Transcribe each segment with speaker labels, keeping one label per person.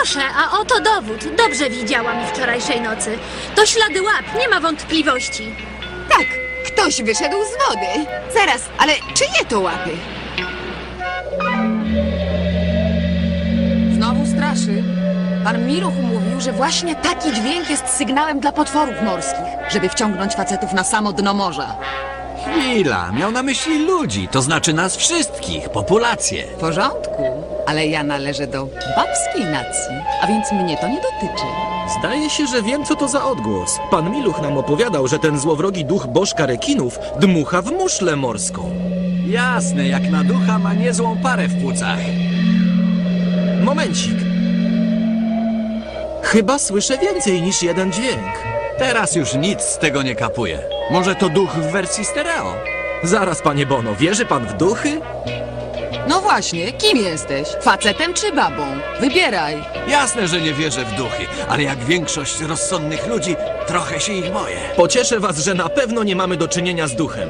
Speaker 1: Proszę, a oto dowód. Dobrze widziałam wczorajszej nocy. To ślady łap, nie ma wątpliwości.
Speaker 2: Tak, ktoś wyszedł z wody. Zaraz, ale czyje to łapy?
Speaker 3: Znowu straszy. Pan Miruch mówił, że właśnie taki dźwięk jest sygnałem dla potworów morskich, żeby wciągnąć facetów na samo dno morza.
Speaker 4: Chwila, miał na myśli ludzi, to znaczy nas wszystkich, populację.
Speaker 3: W porządku, ale ja należę do babskiej nacji, a więc mnie to nie dotyczy.
Speaker 5: Zdaje się, że wiem, co to za odgłos. Pan Miluch nam opowiadał, że ten złowrogi duch bożka rekinów dmucha w muszlę morską.
Speaker 4: Jasne, jak na ducha ma niezłą parę w płucach.
Speaker 5: Momencik. Chyba słyszę więcej niż jeden dźwięk.
Speaker 4: Teraz już nic z tego nie kapuje. Może to duch w wersji stereo?
Speaker 5: Zaraz, panie Bono, wierzy pan w duchy?
Speaker 3: No właśnie, kim jesteś? Facetem czy babą? Wybieraj.
Speaker 4: Jasne, że nie wierzę w duchy, ale jak większość rozsądnych ludzi, trochę się ich boję.
Speaker 5: Pocieszę was, że na pewno nie mamy do czynienia z duchem.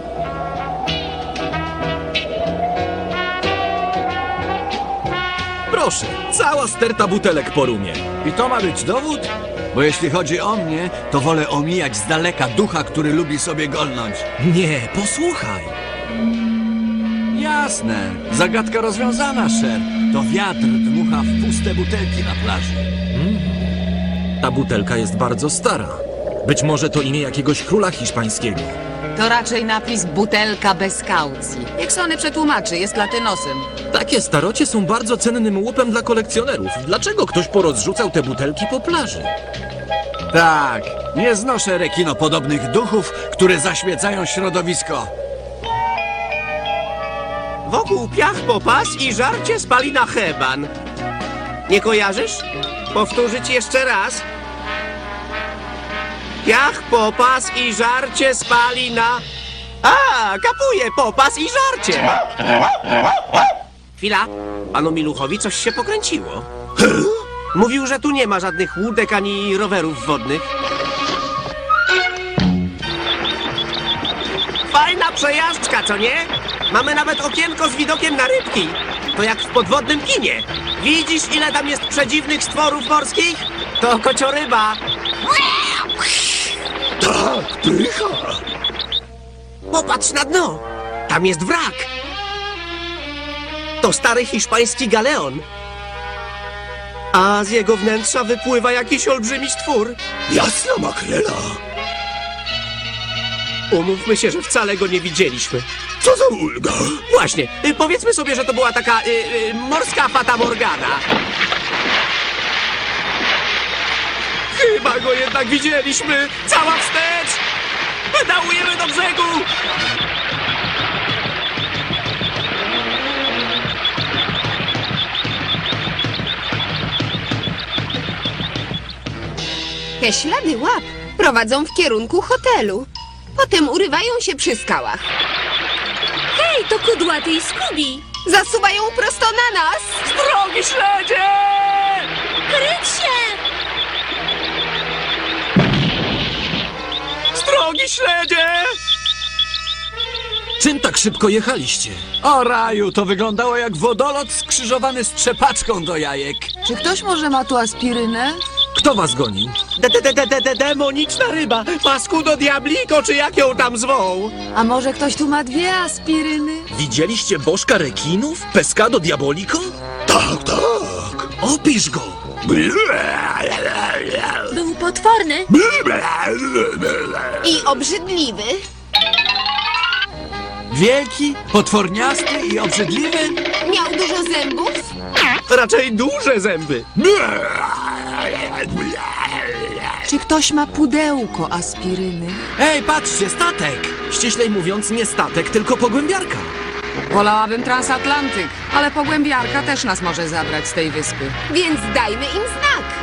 Speaker 5: Proszę, cała sterta butelek po rumie.
Speaker 4: I to ma być dowód? Bo jeśli chodzi o mnie, to wolę omijać z daleka ducha, który lubi sobie golnąć.
Speaker 5: Nie, posłuchaj.
Speaker 4: Jasne, zagadka rozwiązana, Sher. To wiatr dmucha w puste butelki na plaży.
Speaker 5: Ta butelka jest bardzo stara. Być może to imię jakiegoś króla hiszpańskiego.
Speaker 3: To raczej napis butelka bez kaucji. Jak Sony przetłumaczy, jest latynosem.
Speaker 5: Takie starocie są bardzo cennym łupem dla kolekcjonerów. Dlaczego ktoś porozrzucał te butelki po plaży?
Speaker 4: Tak, nie znoszę rekinopodobnych duchów, które zaśmiecają środowisko.
Speaker 6: Wokół piach popas i żarcie spali na heban. Nie kojarzysz? Powtórzyć jeszcze raz. Piach, popas i żarcie spali na... A, kapuje, popas i żarcie. Chwila, panu Miluchowi coś się pokręciło. Mówił, że tu nie ma żadnych łódek ani rowerów wodnych. Fajna przejażdżka, co nie? Mamy nawet okienko z widokiem na rybki. To jak w podwodnym kinie. Widzisz, ile tam jest przedziwnych stworów morskich? To kocioryba.
Speaker 7: Tak, pycha!
Speaker 6: Popatrz na dno. Tam jest wrak. To stary hiszpański galeon. A z jego wnętrza wypływa jakiś olbrzymi stwór.
Speaker 7: Jasna makrela!
Speaker 6: Umówmy się, że wcale go nie widzieliśmy.
Speaker 7: Co za ulga!
Speaker 6: Właśnie, powiedzmy sobie, że to była taka morska fata Morgana. Chyba go jednak widzieliśmy! Cała wstecz! Pedałujemy do brzegu!
Speaker 2: Te ślady łap prowadzą w kierunku hotelu. Potem urywają się przy skałach.
Speaker 1: Hej, to Kudłaty i Skubi!
Speaker 2: Zasuwają prosto na nas!
Speaker 6: Drogi śledzie!
Speaker 1: Kryć się!
Speaker 6: Drogi śledzie!
Speaker 5: Czym tak szybko jechaliście?
Speaker 4: O raju, to wyglądało jak wodolot skrzyżowany z trzepaczką do jajek.
Speaker 3: Czy ktoś może ma tu aspirynę?
Speaker 5: Kto was gonił?
Speaker 6: Demoniczna ryba! Paskudo diabliko, czy jak ją tam zwą?
Speaker 3: A może ktoś tu ma 2 aspiryny?
Speaker 5: Widzieliście bożka rekinów? Pescado diabolico?
Speaker 7: Tak, tak!
Speaker 5: Opisz go!
Speaker 1: Był potworny.
Speaker 2: I obrzydliwy.
Speaker 4: Wielki, potworniasty i obrzydliwy?
Speaker 2: Miał dużo zębów.
Speaker 6: Raczej duże zęby.
Speaker 3: Czy ktoś ma pudełko aspiryny?
Speaker 4: Ej, patrzcie, statek!
Speaker 5: Ściślej mówiąc, nie statek, tylko pogłębiarka.
Speaker 3: Wolałabym transatlantyk, ale pogłębiarka też nas może zabrać z tej wyspy.
Speaker 2: Więc dajmy im znak.